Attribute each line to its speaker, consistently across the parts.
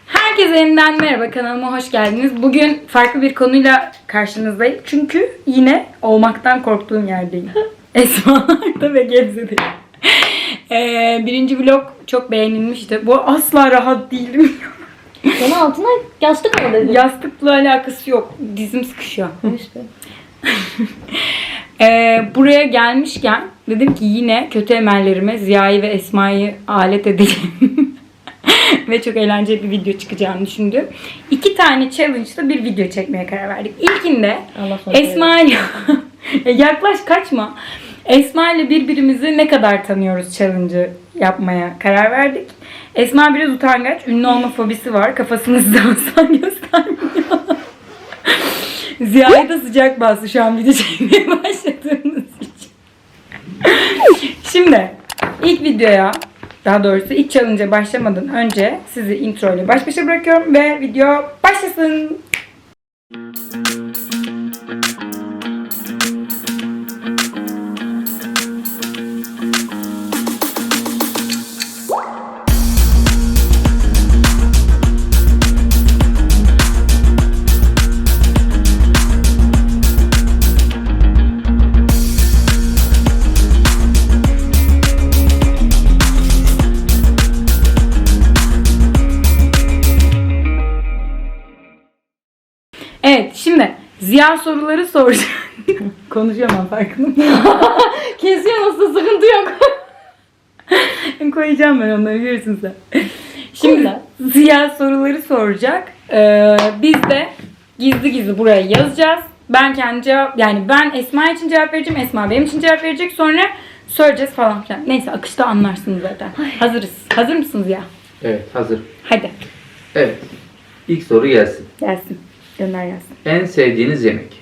Speaker 1: Herkese yeniden merhaba, kanalıma hoş geldiniz. Bugün farklı bir konuyla karşınızdayım. Çünkü yine olmaktan korktuğum yerdeyim. Esma'larda ve Gebze'deyim. Birinci vlog çok beğenilmişti. Bu asla rahat değilim.
Speaker 2: Sana altına yastık mı dedin?
Speaker 1: Yastıkla alakası yok. Dizim sıkışıyor.
Speaker 2: İşte.
Speaker 1: Buraya gelmişken dedim ki yine kötü emellerime Ziya'yı ve Esma'yı alet edeceğim. Ve çok eğlenceli bir video çıkacağını düşündüm. 2 tane challenge'da bir video çekmeye karar verdik. İlkinde Esma ile yaklaş, kaçma. Esma ile birbirimizi ne kadar tanıyoruz challenge'ı yapmaya karar verdik. Esma biraz utangaç, ünlü olma fobisi var. Kafasını asla göstermiyor. Ziya'yı da sıcak bastı şu an video çekmeye başladığımız için. Şimdi ilk videoya, daha doğrusu ilk challenge'a başlamadan önce sizi intro ile baş başa bırakıyorum ve video başlasın. Evet, şimdi Ziya soruları soracağım. Konuşamam, farkında mısın?
Speaker 2: Kesiyor, nasıl, sıkıntı yok.
Speaker 1: Koyacağım ben onları, görürsün sen. Şimdi Ziya soruları soracak. Biz de gizli gizli buraya yazacağız. Ben kendi cevap, yani ben Esma için cevap vereceğim. Esma benim için cevap verecek. Sonra söyleyeceğiz falan filan. Neyse, akışta anlarsınız zaten. Hazırız. Hazır mısınız Ziya?
Speaker 3: Evet, hazır.
Speaker 1: Hadi.
Speaker 3: Evet. İlk soru gelsin.
Speaker 1: Gelsin. Gönder gelsin.
Speaker 3: En sevdiğiniz yemek?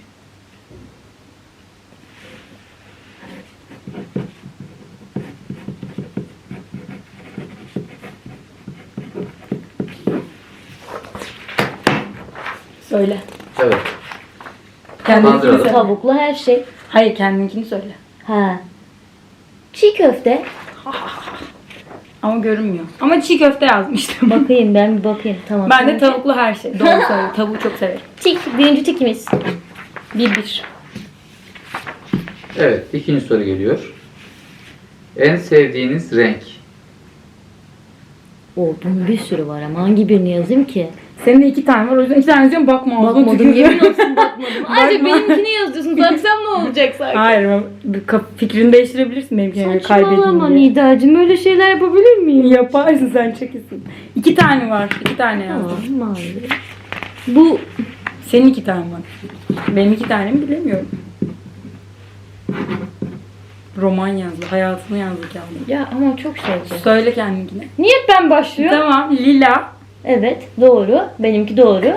Speaker 1: Söyle.
Speaker 3: Evet.
Speaker 1: Kendininkini
Speaker 3: Bandıralım.
Speaker 1: söyle.
Speaker 2: Tavuklu her şey.
Speaker 1: Hayır, kendininkini söyle.
Speaker 2: Ha. Çiğ köfte.
Speaker 1: Ama görünmüyor. Ama çiğ köfte yazmıştım.
Speaker 2: Bakayım, ben bir bakayım. Tamam.
Speaker 1: Ben de tavuklu her şey. Doğru söylüyorum. Tavuğu çok severim.
Speaker 2: Tik. Birinci tikimiz.
Speaker 1: 1-1.
Speaker 3: Evet, ikinci soru geliyor. En sevdiğiniz renk?
Speaker 2: Bunun bir sürü var ama hangi birini yazayım ki?
Speaker 1: Senin de 2 tane var. O yüzden 2 tane yazıyorum. Bakma. ağzına
Speaker 2: Bakmadım,
Speaker 1: tükürüyorum.
Speaker 2: yemin olsun bakmadım. Ayrıca
Speaker 1: Bakma.
Speaker 2: benimkini yazıyorsun. Baksam ne olacak sanki?
Speaker 1: Hayır. Fikrini değiştirebilirsin benimkine göre,
Speaker 2: Saçmalama
Speaker 1: kaybedeyim diye.
Speaker 2: Nidacığım, öyle şeyler yapabilir miyim?
Speaker 1: Yaparsın, sen çekisin. 2 tane var. 2 tane yazdım.
Speaker 2: Tamam, mavi. Bu
Speaker 1: Senin 2 tane var. Benim 2 tane mi bilemiyorum. Roman yazdı. Hayatını yazdı kendine.
Speaker 2: ya ama çok şeydi.
Speaker 1: Söyle kendininkine.
Speaker 2: Niye ben başlıyorum?
Speaker 1: Tamam. Lila.
Speaker 2: Evet, doğru. Benimki doğru.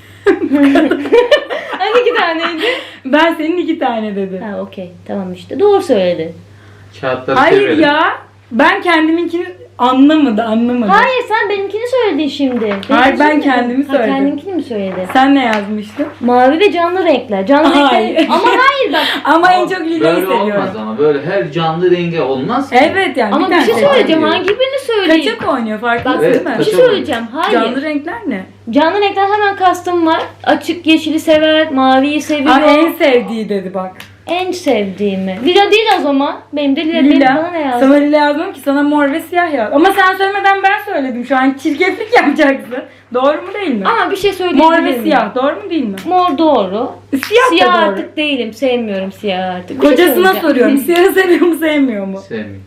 Speaker 2: Hani 2 taneydi?
Speaker 1: Ben senin 2 tane dedim.
Speaker 2: Ha, okey. Tamam işte. Doğru söyledin.
Speaker 3: Kağıtları
Speaker 1: Hayır
Speaker 3: çevirelim.
Speaker 1: ya. Ben kendiminkini anlamadım.
Speaker 2: Hayır, sen benimkini söyledin şimdi.
Speaker 1: Hayır, ben
Speaker 2: Benimkini
Speaker 1: kendimi
Speaker 2: mi?
Speaker 1: söyledim.
Speaker 2: Ha, kendiminkini mi söyledin?
Speaker 1: Sen ne yazmıştın?
Speaker 2: Mavi ve canlı renkler. Canlı
Speaker 1: Hayır.
Speaker 2: renkler. Ama hayır bak.
Speaker 1: Ama en çok Lila'yı
Speaker 3: Böyle
Speaker 1: seviyorum.
Speaker 3: olmaz ama. Böyle her canlı rengi olmaz ki.
Speaker 1: Evet yani.
Speaker 2: Ama bir
Speaker 1: tane
Speaker 2: şey
Speaker 1: seçeceğim.
Speaker 2: söyleyeceğim.
Speaker 3: diyor.
Speaker 2: Hangi birini söyleyeyim?
Speaker 1: Kaçak oynuyor, farkındasın
Speaker 2: Bak,
Speaker 3: Evet,
Speaker 1: değil mi?
Speaker 2: bir şey
Speaker 3: kaçak
Speaker 2: söyleyeceğim. Hayır.
Speaker 1: Canlı renkler ne?
Speaker 2: Canlı renkler hemen kastım var. Açık yeşili sever, maviyi seviyor.
Speaker 1: Aa, en sevdiği dedi bak.
Speaker 2: En sevdiğimi. Lila değil o zaman. Benim de Lila. Benim bana ne
Speaker 1: Lila.
Speaker 2: yazdın?
Speaker 1: Sana lila yazmam ki, sana mor ve siyah yaz. Ama sen söylemeden ben söyledim şu an. Çirkeflik yapacaksın. Doğru mu değil mi?
Speaker 2: Ama bir şey söyleyebilir
Speaker 1: Mor ve
Speaker 2: miyim?
Speaker 1: siyah. Doğru mu değil mi?
Speaker 2: Mor doğru.
Speaker 1: Siyah, da doğru.
Speaker 2: Artık değilim. Sevmiyorum siyah artık. Bir şey
Speaker 1: Kocasına
Speaker 2: söyleyeceğim.
Speaker 1: soruyorum. Siyahı seviyor mu sevmiyor mu?
Speaker 3: Sevmiyorum.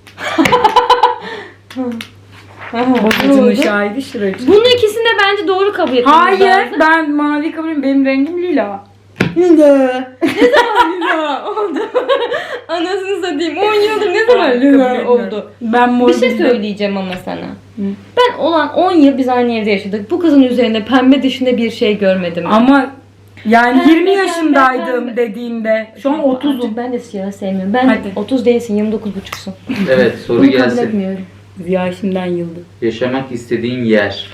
Speaker 1: Bozulmuş şahidi şıracı.
Speaker 2: Bunun ikisini de bence doğru kabul etmemiz
Speaker 1: Hayır,
Speaker 2: lazım.
Speaker 1: ben mavi kabul ediyorum. Benim rengim lila. Lila. Ne zaman lila oldu?
Speaker 2: Anasını satayım. 10 yıldır ne
Speaker 1: Hayır,
Speaker 2: zaman
Speaker 1: kabul
Speaker 2: lila
Speaker 1: etmiyorum.
Speaker 2: oldu?
Speaker 1: Ben mor
Speaker 2: Bir şey
Speaker 1: bildim.
Speaker 2: söyleyeceğim ama sana. Ben olan 10 yıl biz aynı evde yaşadık. Bu kızın üzerinde pembe dışında bir şey görmedim.
Speaker 1: Ama yani
Speaker 2: Pembe,
Speaker 1: 20 yaşındaydım
Speaker 2: pembe.
Speaker 1: dediğinde. Şu an
Speaker 2: Artık
Speaker 1: 30'um.
Speaker 2: ben de siyah sevmiyorum. Ben
Speaker 1: Hadi.
Speaker 2: 30 değilsin, 29,5'sun.
Speaker 3: Evet, soru
Speaker 2: Bunu kabul
Speaker 3: gelsin.
Speaker 2: etmiyorum.
Speaker 1: Ziya şimdiden yıldı.
Speaker 3: Yaşamak istediğin yer?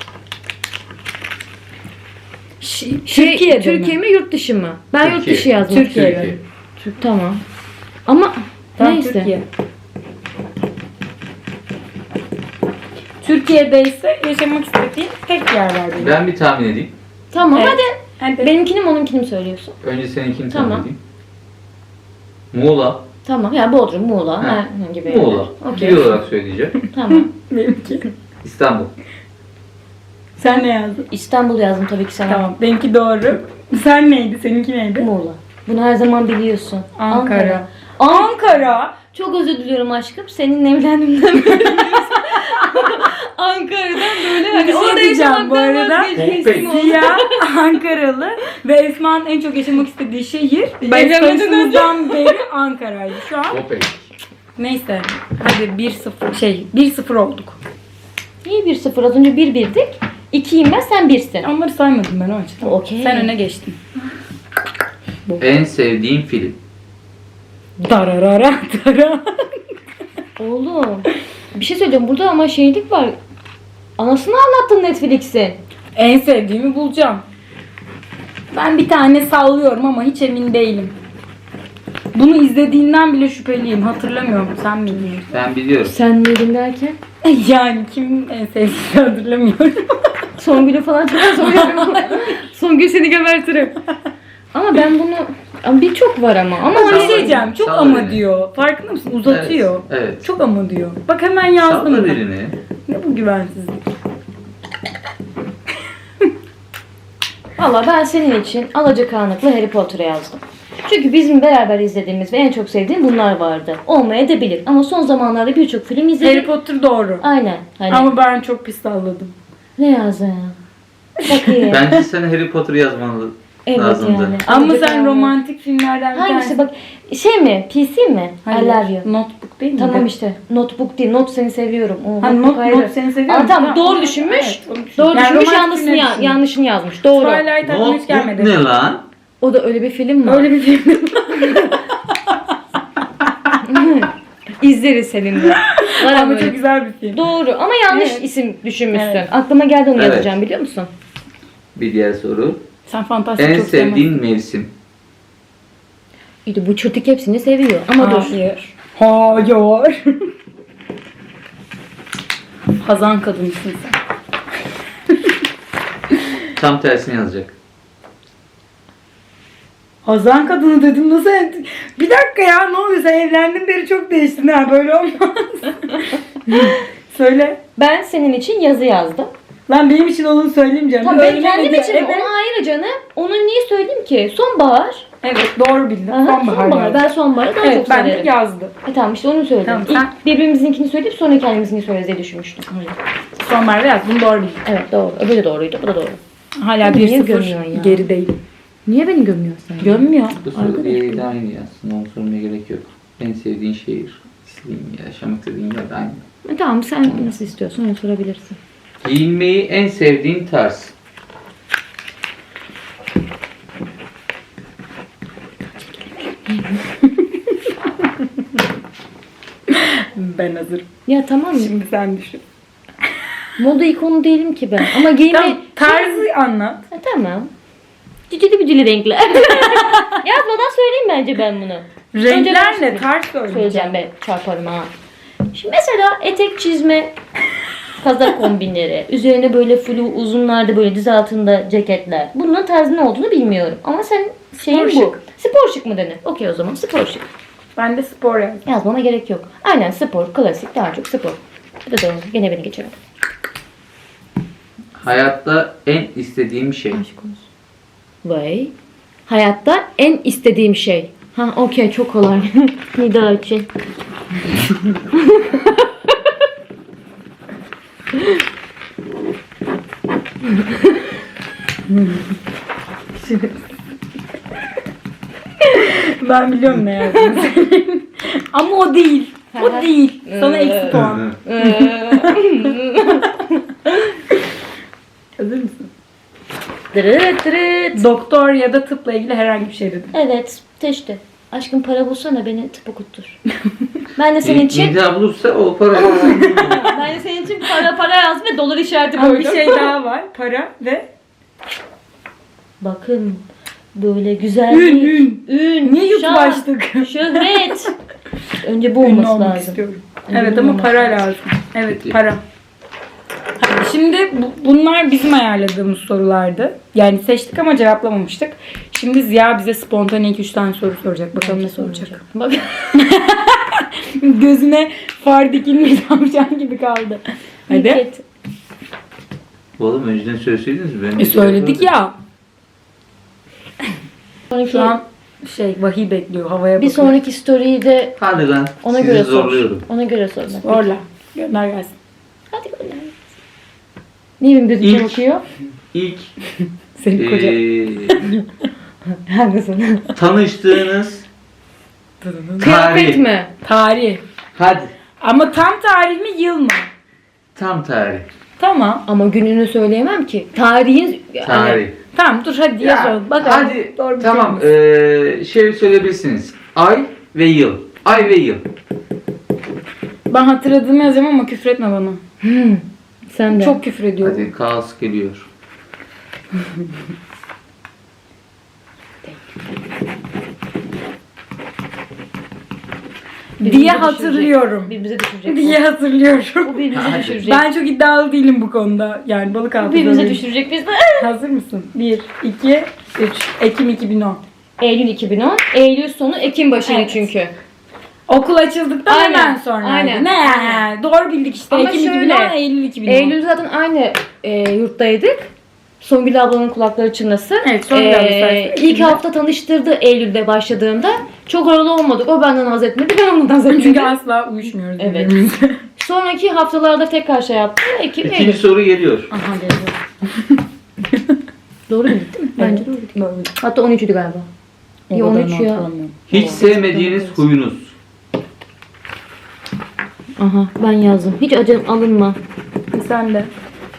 Speaker 1: Türkiye'de
Speaker 2: Türkiye
Speaker 1: mi?
Speaker 2: mi yurt dışı mı? Ben yurt
Speaker 3: Türkiye.
Speaker 2: dışı yazdım.
Speaker 1: Türkiye.
Speaker 2: Tamam. Ama
Speaker 1: Tam
Speaker 2: neyse.
Speaker 1: Türkiye. Türkiye'de ise yaşamak istediğin tek yer var benim.
Speaker 3: Ben bir tahmin edeyim.
Speaker 2: Tamam
Speaker 1: Evet.
Speaker 2: hadi.
Speaker 1: Hadi.
Speaker 2: Benimkini mi onunkini mi söylüyorsun?
Speaker 3: Önce seninkini
Speaker 2: Tamam.
Speaker 3: tahmin edeyim. Muğla.
Speaker 2: Tamam yani Bodrum, Muğla
Speaker 3: Ha.
Speaker 2: herhangi bir
Speaker 3: Muğla.
Speaker 2: Okey.
Speaker 3: Bir olarak söyleyeceğim.
Speaker 2: Tamam.
Speaker 1: Benimki.
Speaker 3: İstanbul.
Speaker 1: Sen ne yazdın?
Speaker 2: İstanbul yazdım tabii ki sana.
Speaker 1: Tamam. Benimki doğru. Sen neydi? Seninki neydi?
Speaker 2: Muğla. Bunu her zaman biliyorsun.
Speaker 1: Ankara.
Speaker 2: Ankara. Çok özür diliyorum aşkım. Seninle evlendiğimden beri Ankara'dan böyle hani
Speaker 1: Bir şey
Speaker 2: orada
Speaker 1: diyeceğim bu
Speaker 2: yaşamaktan
Speaker 1: arada.
Speaker 2: vazgeçmiştim oldu.
Speaker 1: Ziya Ankaralı ve Esma'nın en çok yaşamak istediği şehir
Speaker 2: Evlenmeden
Speaker 1: tanıştığımızdan beri Ankara'ydı şu an.
Speaker 3: Kopek.
Speaker 1: Neyse. Hadi 1-0 olduk.
Speaker 2: Niye 1-0? Az önce 1-1'dik. 2'yim ben, sen 1'sin.
Speaker 1: Onları saymadım ben o açıdan.
Speaker 2: Okey.
Speaker 1: Sen öne geçtin.
Speaker 3: En sevdiğin film.
Speaker 1: Dararara dara.
Speaker 2: Oğlum. Bir şey söyleyeceğim. Burada ama şeylik var. Anasını anlattın Netflix'in.
Speaker 1: En sevdiğimi bulacağım. Ben bir tane sallıyorum ama hiç emin değilim. Bunu izlediğinden bile şüpheliyim. Hatırlamıyorum. Sen bilmiyorsun.
Speaker 3: Ben biliyorum.
Speaker 2: Sen miydin derken?
Speaker 1: Yani kim en sevdiğini hatırlamıyorum.
Speaker 2: Songül'ü falan çok Songül seni gebertirim. Ama ben bunu... Ama birçok var ama. Ama
Speaker 1: Ama bir
Speaker 2: hani...
Speaker 1: şey diyeceğim. Çok
Speaker 3: Salla
Speaker 1: ama
Speaker 3: beni.
Speaker 1: diyor. Farkında mısın? Uzatıyor.
Speaker 3: Evet. Evet.
Speaker 1: Çok ama diyor. Bak hemen yazdım.
Speaker 3: Salla
Speaker 1: ben.
Speaker 3: birini.
Speaker 1: Ne bu güvensizlik?
Speaker 2: Valla ben senin için Alacakaranlık'la Harry Potter'ı yazdım. Çünkü bizim beraber izlediğimiz ve en çok sevdiğim bunlar vardı. Olmayabilir ama son zamanlarda birçok film izledim.
Speaker 1: Harry Potter doğru.
Speaker 2: Aynen. Hani
Speaker 1: Ama ben çok pis salladım.
Speaker 2: ne yazdın? Bakayım.
Speaker 3: Bence sen Harry Potter yazman
Speaker 2: Evet
Speaker 3: lazımdı.
Speaker 2: yani.
Speaker 1: Ama sen
Speaker 2: Alacakaranlık.
Speaker 1: romantik filmlerden bir
Speaker 2: Hangisi
Speaker 1: tanesi.
Speaker 2: bak şey mi? PC mi?
Speaker 1: Hayır,
Speaker 2: I love you.
Speaker 1: Notebook değil mi?
Speaker 2: Tamam işte. Notebook değil. Not seni seviyorum. O,
Speaker 1: Ha,
Speaker 2: notebook
Speaker 1: not,
Speaker 2: ayrı.
Speaker 1: not seni seviyorum.
Speaker 2: Aa, tamam doğru düşünmüş.
Speaker 1: Evet, onu düşündüm.
Speaker 2: Doğru
Speaker 1: Yani
Speaker 2: düşünmüş,
Speaker 1: romantik
Speaker 2: yanlışını,
Speaker 1: filmler düşündüm.
Speaker 2: yanlışını yazmış. Doğru.
Speaker 1: Twilight aklıma hiç gelmedi.
Speaker 3: Ne lan?
Speaker 2: O da öyle bir film mi?
Speaker 1: Öyle bir film.
Speaker 2: İzleriz seninle. Var
Speaker 1: Ama
Speaker 2: ama
Speaker 1: çok güzel bir film.
Speaker 2: Doğru ama yanlış
Speaker 1: Evet.
Speaker 2: isim düşünmüşsün.
Speaker 1: Evet.
Speaker 2: Aklıma geldi onu
Speaker 3: Evet.
Speaker 2: yazacağım biliyor musun?
Speaker 3: Bir diğer soru.
Speaker 1: Sen fantastik
Speaker 3: En
Speaker 1: çok sevmezsin.
Speaker 3: sevdiğin mevsim.
Speaker 2: İşte bu çırtık hepsini seviyor ama dur.
Speaker 1: Hayır. Hayır. Hazan kadınsın sen.
Speaker 3: Tam tersini yazacak.
Speaker 1: Hazan kadını dedim nasıl? Bir dakika ya ne oluyor? Sen evlendin beri çok değiştin ha böyle olmaz. Söyle.
Speaker 2: Ben senin için yazı yazdım.
Speaker 1: Lan benim için onu söyleyeyim
Speaker 2: Tamam ben
Speaker 1: Öyle
Speaker 2: kendim
Speaker 1: mi?
Speaker 2: için
Speaker 1: Evet.
Speaker 2: onu ayrı canım. Onu niye söyleyeyim ki? Sonbahar.
Speaker 1: Evet doğru bildin.
Speaker 2: Aha, sonbahar.
Speaker 1: yazdım.
Speaker 2: Ben sonbaharı daha
Speaker 1: Evet
Speaker 2: çok
Speaker 1: ben de
Speaker 2: severim.
Speaker 1: yazdım.
Speaker 2: Tamam işte onu söyledim.
Speaker 1: Tamam,
Speaker 2: İlk
Speaker 1: sen-
Speaker 2: birbirimizinkini söyleyip sonra kendimizinkini söyleriz diye düşünmüştüm.
Speaker 1: Sonbahar yazdım doğru bildin.
Speaker 2: Evet doğru. Öbürü de doğruydu. Bu da doğru.
Speaker 1: Hala
Speaker 2: Niye
Speaker 1: 1-0
Speaker 2: gömüyorsun ya?
Speaker 1: geri değil.
Speaker 2: Niye beni gömüyorsun sen?
Speaker 1: Gömmüyor.
Speaker 3: Bu soru diğeri de aynı yazsın. Onu sormaya gerek yok. En sevdiğin şehir. İstediğin yer. Yaşamak istediğin yer de aynı.
Speaker 2: Tamam sen nasıl istiyorsun onu sorabilirsin.
Speaker 3: Giyinmeyi en sevdiğin tarz.
Speaker 1: Ben hazırım.
Speaker 2: Ya tamam mı?
Speaker 1: Şimdi sen düşün.
Speaker 2: Moda ikonu değilim ki ben. Ama giyinme...
Speaker 1: Tamam tarzı anlat.
Speaker 2: Ha, tamam. Cicili bicili renkler. Yazmadan söyleyeyim bence ben bunu. Önce ben
Speaker 1: Renklerle tarz söyleyeceğim.
Speaker 2: söyleyeceğim ben çarparım ha. Şimdi mesela etek çizme, kazak kombinleri, üzerine böyle flu uzunlarda böyle diz altında ceketler. Bunun tarzı ne olduğunu bilmiyorum. Ama sen şeyin bu.
Speaker 1: şık.
Speaker 2: Spor şık mı denir? Okey o zaman spor şık.
Speaker 1: Ben de spor yazdım.
Speaker 2: Yazmama gerek yok. Aynen spor, klasik daha çok spor. Bu da doğru. Gene beni geçelim.
Speaker 3: Hayatta en istediğim şey.
Speaker 2: Aşk olsun. Vay. Hayatta en istediğim şey. Ha okey çok kolay. Nida için.
Speaker 1: Ben biliyorum ne yazdığını senin. Ama o değil. O değil. Sana eksi puan. Hazır mısın?
Speaker 2: Dırıt dırıt.
Speaker 1: Doktor ya da tıpla ilgili herhangi bir şey dedim.
Speaker 2: Evet teşte. Aşkım para bulsana beni tıp okuttur. Ben de senin için
Speaker 3: Nida bulursa o parayı
Speaker 2: ben de senin için para yaz ve dolar işareti
Speaker 1: Ama
Speaker 2: koydum.
Speaker 1: bir şey daha var. Para ve
Speaker 2: Bakın böyle güzellik, ün,
Speaker 1: niye YouTube
Speaker 2: şan,
Speaker 1: açtık?
Speaker 2: şöhret. Önce bu
Speaker 1: Ünlü
Speaker 2: olması
Speaker 1: olmak
Speaker 2: lazım.
Speaker 1: istiyorum.
Speaker 2: Ünlü
Speaker 1: Evet ama
Speaker 2: olmak
Speaker 1: para
Speaker 3: lazım.
Speaker 1: lazım. Evet
Speaker 3: Peki.
Speaker 1: para. Şimdi bunlar bizim ayarladığımız sorulardı. Yani seçtik ama cevaplamamıştık. Şimdi Ziya bize spontane 2-3 tane soru soracak. Bakalım ne soracak.
Speaker 2: Bak.
Speaker 1: Gözüne far dikilmiş tavşan gibi kaldı. Hadi.
Speaker 2: Nükhet.
Speaker 3: Oğlum önceden söyleseydiniz mi? Ben
Speaker 1: Söyledik ya.
Speaker 2: Sonraki,
Speaker 1: Şu an vahiy bekliyor. Havaya
Speaker 2: bir
Speaker 1: bakıyor.
Speaker 2: sonraki story'yi de
Speaker 3: Hadi lan.
Speaker 2: ona
Speaker 3: sizi
Speaker 2: göre sor.
Speaker 3: zorluyorum.
Speaker 2: Ona göre sor. bak.
Speaker 1: Orla. Gönder gelsin.
Speaker 2: Hadi gönder. Niye benim gözüme
Speaker 3: İlk-
Speaker 2: bakıyor?
Speaker 3: İlk
Speaker 1: Senin koca.
Speaker 2: Hangisini?
Speaker 3: tanıştığınız
Speaker 2: Kıyafet
Speaker 3: tarih.
Speaker 2: mi?
Speaker 1: Tarih.
Speaker 3: Hadi.
Speaker 1: Ama tam tarih mi yıl mı?
Speaker 3: Tam tarih.
Speaker 1: Tamam.
Speaker 2: Ama gününü söyleyemem ki. Tarihin...
Speaker 3: Tarih.
Speaker 1: Tamam dur hadi
Speaker 3: Ya,
Speaker 1: yazalım. Bakalım.
Speaker 3: hadi
Speaker 1: Doğru bir
Speaker 3: tamam
Speaker 1: şey mi?
Speaker 3: şey söyleyebilirsiniz. Ay ve yıl. Ay ve yıl.
Speaker 1: Ben hatırladığımı yazacağım ama küfür etme bana.
Speaker 2: Sen de.
Speaker 1: Çok küfür ediyorum.
Speaker 3: Hadi kaos geliyor.
Speaker 2: Birbirimize
Speaker 1: diye
Speaker 2: düşürecek.
Speaker 1: hatırlıyorum.
Speaker 2: Birbirimize düşürecek.
Speaker 1: Diye hatırlıyorum.
Speaker 2: Bu birbirimize
Speaker 3: Hadi.
Speaker 2: düşürecek.
Speaker 1: Ben çok iddialı değilim bu konuda. Yani balık
Speaker 2: Bu
Speaker 1: altı
Speaker 2: birbirimize
Speaker 1: böreği.
Speaker 2: düşürecek biz de.
Speaker 1: Hazır mısın? 1, 2, 3. Ekim 2010.
Speaker 2: Eylül 2010. Eylül sonu Ekim başı
Speaker 1: Evet.
Speaker 2: çünkü.
Speaker 1: Okul açıldıktan
Speaker 2: Aynen,
Speaker 1: hemen sonra.
Speaker 2: aynen,
Speaker 1: Ne?
Speaker 2: aynen.
Speaker 1: Doğru bildik işte.
Speaker 2: Ama
Speaker 1: Ekim
Speaker 2: şöyle,
Speaker 1: 2010, Eylül 2010.
Speaker 2: Eylül zaten aynı yurttaydık. Songül ablanın kulakları çınlasın.
Speaker 1: Evet, Songül abla sayesinde.
Speaker 2: İlk hafta tanıştırdı Eylül'de başladığında. Çok oralı olmadık. O benden haz etmedi. Ben ondan haz etmedim.
Speaker 1: Çünkü asla uyuşmuyoruz.
Speaker 2: Evet.
Speaker 1: birbirimize.
Speaker 2: Sonraki haftalarda tekrar şey yaptı. Ekim,
Speaker 3: İkinci
Speaker 2: Eylül.
Speaker 3: soru geliyor.
Speaker 1: Aha geliyor.
Speaker 2: Doğru bildik değil mi? Bence doğru bildik.
Speaker 1: Doğru.
Speaker 2: Hatta 13'üydü galiba. Ya 13 ya.
Speaker 3: Hiç sevmediğiniz huyunuz.
Speaker 2: Aha ben yazdım. Hiç acım alınma.
Speaker 1: Sen de.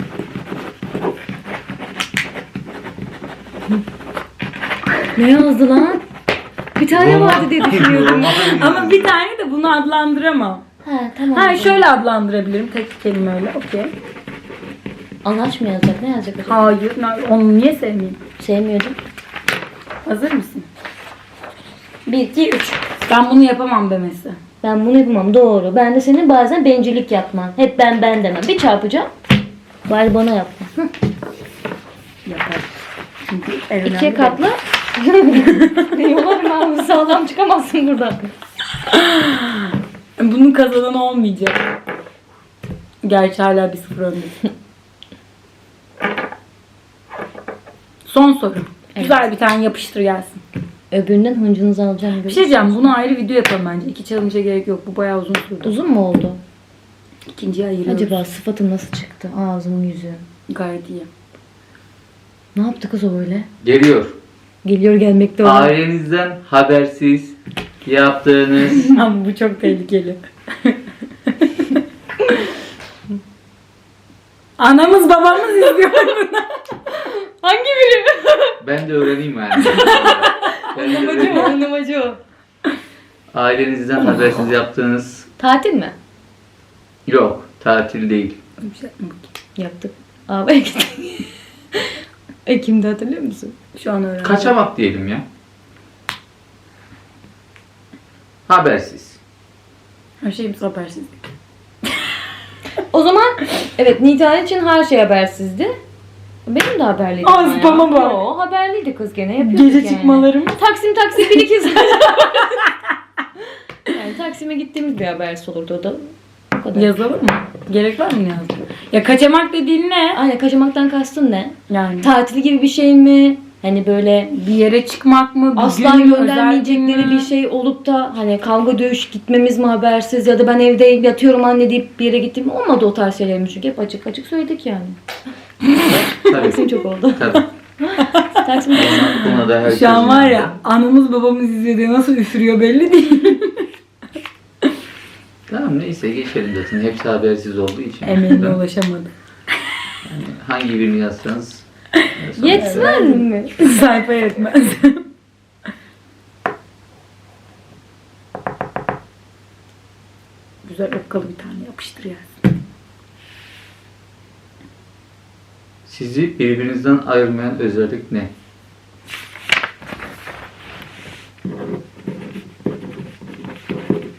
Speaker 2: Ne yazdı lan? Bir tane
Speaker 3: Normal-
Speaker 2: vardı diye düşünüyorum.
Speaker 1: Ama bir tane de bunu adlandıramam.
Speaker 2: Ha tamam.
Speaker 1: Ha şöyle adlandırabilirim tek kelimeyle. Okey.
Speaker 2: Anaç mı yazacak? Ne yazacak acaba?
Speaker 1: Hayır. Onu niye sevmeyeyim?
Speaker 2: Sevmiyordum.
Speaker 1: Hazır mısın? 1, 2, 3. Ben bunu yapamam demesi.
Speaker 2: Ben bunu yapamam. Doğru. Ben de senin bazen bencillik yapman. Hep ben demem. Bir çarpacağım. Bari bana yapma. Hı.
Speaker 1: Yapar. Çünkü en önemli
Speaker 2: İkiye katla. Yolarım abi. Sağlam çıkamazsın buradan.
Speaker 1: Bunun kazananı olmayacak. Gerçi hala 1-0 öndesin. Son soru. Güzel bir tane yapıştır gelsin.
Speaker 2: Öbüründen hıncınızı alacağım.
Speaker 1: Bir şey diyeceğim. Bunu ayrı video yapalım bence. 2 challenge'a gerek yok. Bu bayağı uzun sürdü.
Speaker 2: Uzun mu oldu?
Speaker 1: İkinciye ayırıyoruz.
Speaker 2: Acaba sıfatım nasıl çıktı? Ağzım yüzüm.
Speaker 1: Gayet iyi.
Speaker 2: Ne yaptı kız o öyle?
Speaker 3: Geliyor.
Speaker 2: Geliyor gelmekte olan.
Speaker 3: Ailenizden habersiz yaptığınız
Speaker 1: Ama bu çok tehlikeli. Anamız babamız izliyor bunu.
Speaker 2: Hangi biri?
Speaker 3: ben de öğreneyim yani. ben de öğreneyim.
Speaker 2: Anlamacı o.
Speaker 3: Ailenizden habersiz yaptığınız
Speaker 2: Tatil mi?
Speaker 3: yok. Tatil değil.
Speaker 1: Bir şey yapma.
Speaker 2: Yaptık. Abi gittik. Ekim'de hatırlıyor musun?
Speaker 1: Şu an öğrendim.
Speaker 3: Kaçamak diyelim ya. Habersiz.
Speaker 1: Her şeyimiz habersiz.
Speaker 2: O zaman evet Nida için her şey habersizdi. Benim de haberliydi.
Speaker 1: Aa,
Speaker 2: ama ya.
Speaker 1: spama bak.
Speaker 2: Yo, haberliydi kız gene yapıyorduk
Speaker 1: Gece
Speaker 2: yani.
Speaker 1: çıkmalarım.
Speaker 2: Taksim 1-2 saat. Yani Taksim'e gittiğimiz bir habersiz olurdu o da. O kadar.
Speaker 1: Yazalım mı? Gerek var mı yazdı? Ya kaçamak dediğin ne?
Speaker 2: Aynen kaçamaktan kastın ne?
Speaker 1: Yani
Speaker 2: Tatil gibi bir şey mi? Hani böyle
Speaker 1: bir yere çıkmak mı? Bir
Speaker 2: asla
Speaker 1: gün mü,
Speaker 2: göndermeyecekleri
Speaker 1: özel gün mü?
Speaker 2: bir şey olup da hani kavga dövüş gitmemiz mi habersiz ya da ben evde yatıyorum anne deyip bir yere gittim mi? Olmadı o tarz şeylerimiz çünkü hep açık açık söyledik yani. Taksim
Speaker 3: Tabii.
Speaker 2: çok oldu.
Speaker 3: Tabii.
Speaker 2: Taksim
Speaker 3: Buna da herkes
Speaker 1: Şu an var
Speaker 3: inandı.
Speaker 1: ya anamız babamız izliyor diye nasıl üfürüyor belli değil.
Speaker 3: Tamam neyse geçelim zaten. Hepsi habersiz olduğu için.
Speaker 1: Emeğine ulaşamadı.
Speaker 3: Yani hangi birini yazsanız.
Speaker 2: yetmez mi?
Speaker 1: Sayfa yetmez. Güzel okkalı bir tane yapıştır ya.
Speaker 3: Sizi birbirinizden ayırmayan özellik ne?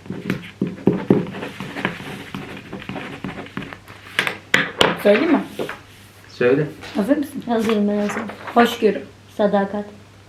Speaker 1: Söyleyeyim mi?
Speaker 3: Söyle.
Speaker 1: Hazır mısın?
Speaker 2: Hazırım ben hazırım.
Speaker 1: Hoşgörü.
Speaker 2: Sadakat.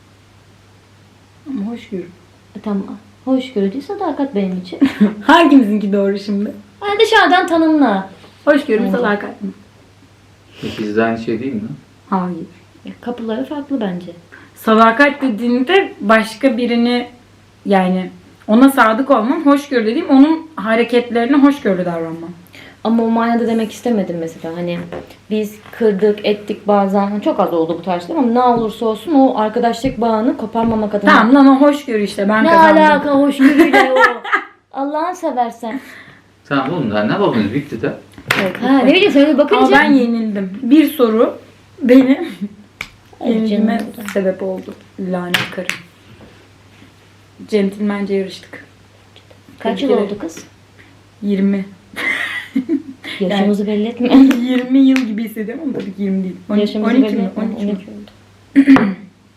Speaker 1: Ama hoşgörü.
Speaker 2: Tamam. Hoşgörü değil, sadakat benim için.
Speaker 1: Hangimizinki doğru şimdi?
Speaker 2: Yani dışarıdan tanımla.
Speaker 1: Hoşgörü mü
Speaker 2: Bence.
Speaker 1: sadakat mi?
Speaker 3: İkisi de aynı şey değil mi?
Speaker 1: Hayır.
Speaker 2: Kapıları farklı bence.
Speaker 1: Sadakat dediğinde başka birini yani ona sadık olmam. Hoşgörü dediğim onun hareketlerine hoşgörü davranmam.
Speaker 2: Ama o manada demek istemedim mesela. Hani biz kırdık, ettik bazen. Çok az oldu bu tarz ama ne olursa olsun o arkadaşlık bağını koparmamak adına.
Speaker 1: Tamam lan o hoşgörü işte ben
Speaker 2: Ne
Speaker 1: kazandım.
Speaker 2: alaka hoşgörüyle o? Allah'ını seversen.
Speaker 3: Tamam oğlum daha ne yapalım bitti de.
Speaker 2: Ha ne bileyim sen öyle bakınca.
Speaker 1: Ama ben yenildim. Bir soru benim yenilgime
Speaker 2: canım.
Speaker 1: sebep oldu. Lanet karım. Centilmence yarıştık.
Speaker 2: Kaç yıl
Speaker 1: Tebrik
Speaker 2: oldu kız?
Speaker 1: 20.
Speaker 2: Yaşımızı belli etme.
Speaker 1: 20 yıl gibi hissediyorum ama tabii ki 20 değil.
Speaker 2: Yaşımızı
Speaker 1: 12
Speaker 2: belli
Speaker 1: mi?
Speaker 2: etme.
Speaker 1: 12 mi?
Speaker 2: 12 oldu.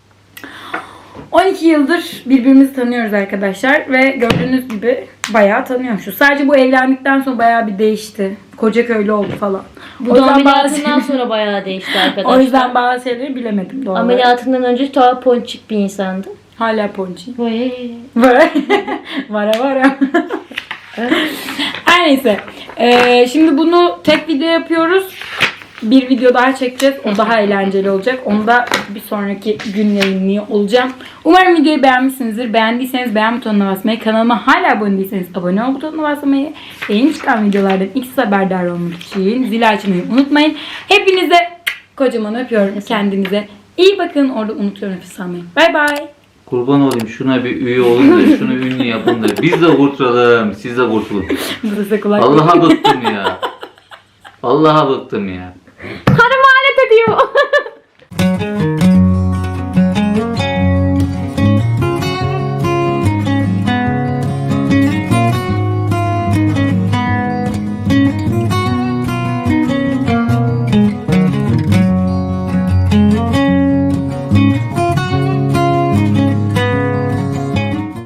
Speaker 1: 12 yıldır birbirimizi tanıyoruz arkadaşlar ve gördüğünüz gibi bayağı tanıyormuşuz. Sadece bu evlendikten sonra bayağı bir değişti. Koca köylü oldu falan.
Speaker 2: Bu da ameliyatından sonra bayağı değişti arkadaşlar.
Speaker 1: O yüzden bazı şeyleri bilemedim doğal olarak.
Speaker 2: Ameliyatından önce daha ponçik bir insandı.
Speaker 1: Hala ponçi.
Speaker 2: Vay.
Speaker 1: Vara vara. Her neyse. Şimdi bunu tek video yapıyoruz. Bir video daha çekeceğiz. O daha eğlenceli olacak. Onu da bir sonraki gün yayınlıyor olacağım. Umarım videoyu beğenmişsinizdir. Beğendiyseniz beğen butonuna basmayı, kanalıma hala abone değilseniz abone ol butonuna basmayı, yeni çıkan videolardan ilk siz haberdar olmak için zili açmayı unutmayın. Hepinize kocaman öpüyorum. Kendinize iyi bakın. Orada unutuyorum nefes almayı. Bay bay.
Speaker 3: Kurban olayım şuna bir üye olun da şunu ünlü yapın da biz de kurtulalım siz de kurtulun.
Speaker 1: Burası kulak.
Speaker 3: Allah'a bıktım ya. Allah'a bıktım ya.
Speaker 2: Karım